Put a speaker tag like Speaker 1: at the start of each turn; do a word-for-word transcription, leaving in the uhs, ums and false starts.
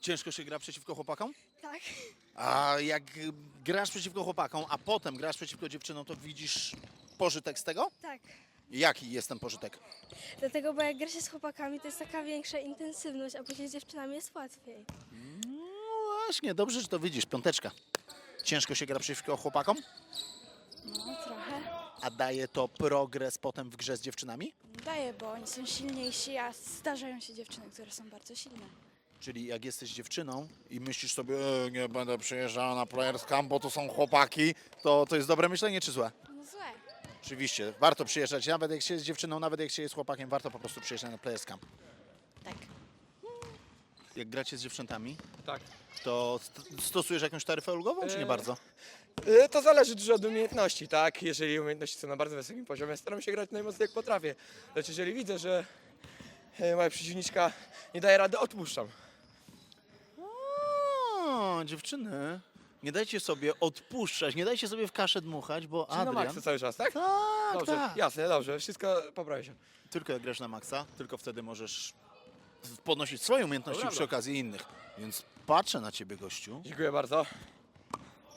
Speaker 1: Ciężko się gra przeciwko chłopakom?
Speaker 2: Tak.
Speaker 1: A jak grasz przeciwko chłopakom, a potem grasz przeciwko dziewczynom, to widzisz pożytek z tego?
Speaker 2: Tak.
Speaker 1: Jaki jest ten pożytek?
Speaker 2: Dlatego, bo jak gra się z chłopakami, to jest taka większa intensywność, a później z dziewczynami jest łatwiej.
Speaker 1: No właśnie, dobrze, że to widzisz. Piąteczka. Ciężko się gra przeciwko chłopakom,
Speaker 2: No, trochę.
Speaker 1: a daje to progres potem w grze z dziewczynami?
Speaker 3: Daje, bo oni są silniejsi, a zdarzają się dziewczyny, które są bardzo silne.
Speaker 1: Czyli jak jesteś dziewczyną i myślisz sobie, e, nie będę przyjeżdżała na Players Camp, bo to są chłopaki, to to jest dobre myślenie czy złe?
Speaker 3: No złe.
Speaker 1: Oczywiście, warto przyjeżdżać, nawet jak się jest dziewczyną, nawet jak się jest chłopakiem, warto po prostu przyjeżdżać na Players Camp.
Speaker 3: Tak.
Speaker 1: Jak gracie z dziewczętami,
Speaker 4: Tak.
Speaker 1: to st- stosujesz jakąś taryfę ulgową, czy nie
Speaker 4: Eee,
Speaker 1: bardzo?
Speaker 4: Y, To zależy dużo od umiejętności, tak? Jeżeli umiejętności są na bardzo wysokim poziomie, staram się grać najmocniej jak potrafię. Lecz jeżeli widzę, że e, moja przeciwniczka nie daje rady, odpuszczam.
Speaker 1: O, dziewczyny, nie dajcie sobie odpuszczać, nie dajcie sobie w kaszę dmuchać, bo
Speaker 4: Czyli na
Speaker 1: Adrian...
Speaker 4: maksa cały czas, tak?
Speaker 1: Tak,
Speaker 4: Dobrze,
Speaker 1: tak.
Speaker 4: jasne, dobrze, wszystko poprawi się.
Speaker 1: Tylko jak grasz na maksa, tylko wtedy możesz podnosić swoje umiejętności
Speaker 4: Dobra.
Speaker 1: przy okazji innych. Więc patrzę na ciebie, gościu.
Speaker 4: Dziękuję bardzo.